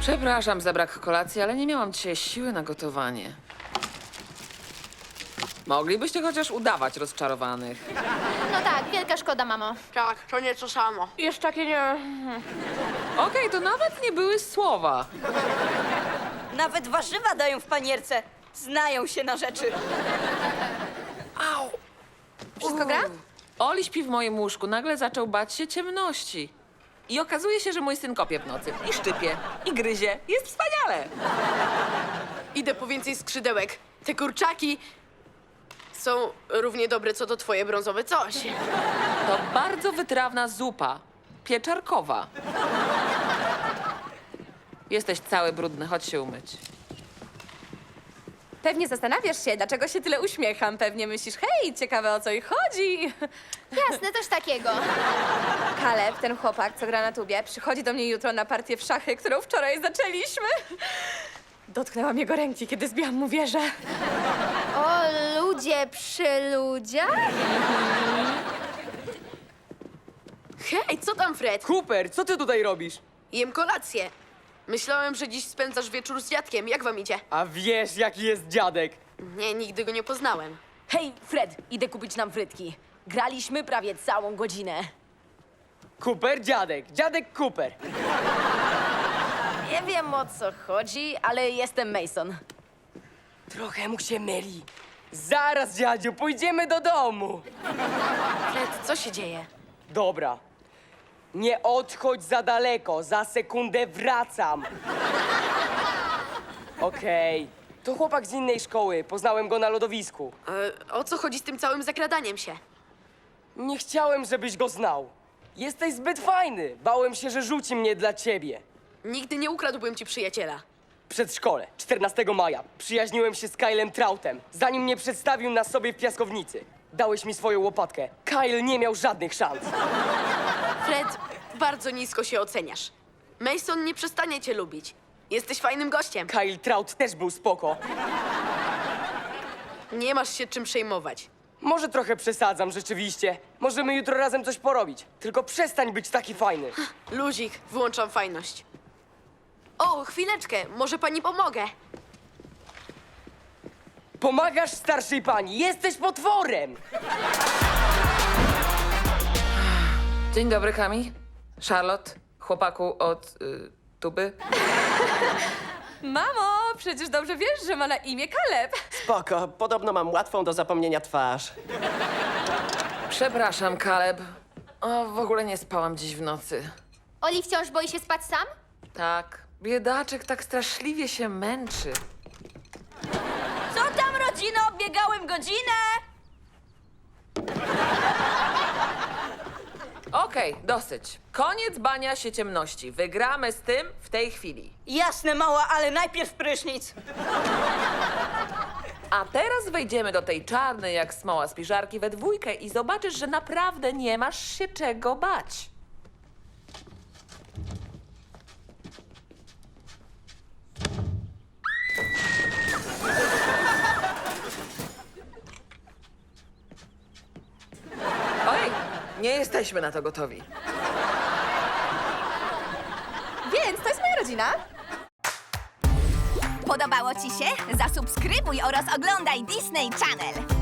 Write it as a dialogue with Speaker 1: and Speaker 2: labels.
Speaker 1: Przepraszam za brak kolacji, ale nie miałam dzisiaj siły na gotowanie. Moglibyście chociaż udawać rozczarowanych.
Speaker 2: No tak, wielka szkoda, mamo.
Speaker 3: Tak, to nie to samo.
Speaker 2: Jeszcze takie nie...
Speaker 1: Okej, to nawet nie były słowa.
Speaker 4: Nawet warzywa dają w panierce. Znają się na rzeczy.
Speaker 1: Au!
Speaker 2: Wszystko gra?
Speaker 1: Oli śpi w moim łóżku. Nagle zaczął bać się ciemności. I okazuje się, że mój syn kopie w nocy. I szczypie, i gryzie. Jest wspaniale.
Speaker 3: Idę po więcej skrzydełek. Te kurczaki są równie dobre, co to twoje brązowe coś.
Speaker 1: To bardzo wytrawna zupa. Pieczarkowa. Jesteś cały brudny, chodź się umyć.
Speaker 5: Pewnie zastanawiasz się, dlaczego się tyle uśmiecham. Pewnie myślisz, hej, ciekawe o co ich chodzi.
Speaker 2: Jasne, coś takiego.
Speaker 5: Kaleb, ten chłopak, co gra na tubie, przychodzi do mnie jutro na partię w szachy, którą wczoraj zaczęliśmy. Dotknęłam jego ręki, kiedy zbiłam mu wieżę.
Speaker 2: O, ludzie przy ludziach?
Speaker 3: Hej, co tam, Fred?
Speaker 6: Cooper, co ty tutaj robisz?
Speaker 3: Jem kolację. Myślałem, że dziś spędzasz wieczór z dziadkiem. Jak wam idzie?
Speaker 6: A wiesz, jaki jest dziadek?
Speaker 3: Nie, nigdy go nie poznałem.
Speaker 4: Hej, Fred, idę kupić nam frytki. Graliśmy prawie całą godzinę.
Speaker 6: Cooper, dziadek. Dziadek Cooper.
Speaker 4: Nie wiem o co chodzi, ale jestem Mason.
Speaker 6: Trochę mu się myli. Zaraz, dziadziu, pójdziemy do domu.
Speaker 3: Fred, co się dzieje?
Speaker 6: Dobra. Nie odchodź za daleko, za sekundę wracam. Okej. To chłopak z innej szkoły, poznałem go na lodowisku.
Speaker 3: O co chodzi z tym całym zakradaniem się?
Speaker 6: Nie chciałem, żebyś go znał. Jesteś zbyt fajny. Bałem się, że rzuci mnie dla ciebie.
Speaker 3: Nigdy nie ukradłbym ci przyjaciela.
Speaker 6: Przedszkole, 14 maja. Przyjaźniłem się z Kylem Troutem, zanim mnie przedstawił na sobie w piaskownicy. Dałeś mi swoją łopatkę. Kyle nie miał żadnych szans.
Speaker 3: Fred, bardzo nisko się oceniasz. Mason nie przestanie cię lubić. Jesteś fajnym gościem.
Speaker 6: Kyle Trout też był spoko.
Speaker 3: Nie masz się czym przejmować.
Speaker 6: Może trochę przesadzam rzeczywiście. Możemy jutro razem coś porobić. Tylko przestań być taki fajny.
Speaker 3: Luzik, wyłączam fajność. O, chwileczkę, może pani pomogę.
Speaker 6: Pomagasz starszej pani, jesteś potworem!
Speaker 1: Dzień dobry, Kami. Charlotte, chłopaku od tuby.
Speaker 5: Mamo, przecież dobrze wiesz, że ma na imię Kaleb.
Speaker 7: Spoko, podobno mam łatwą do zapomnienia twarz.
Speaker 1: Przepraszam, Caleb. O, w ogóle nie spałam dziś w nocy.
Speaker 2: Oli wciąż boi się spać sam?
Speaker 1: Tak, biedaczek tak straszliwie się męczy.
Speaker 4: Co tam, rodzino? Biegałem godzinę!
Speaker 1: Okej, dosyć. Koniec bania się ciemności. Wygramy z tym w tej chwili.
Speaker 4: Jasne, mała, ale najpierw prysznic.
Speaker 1: A teraz wejdziemy do tej czarnej jak smoła spiżarki we dwójkę i zobaczysz, że naprawdę nie masz się czego bać. Oj, nie jesteśmy na to gotowi.
Speaker 5: Więc to jest moja rodzina.
Speaker 8: Podobało ci się? Zasubskrybuj oraz oglądaj Disney Channel.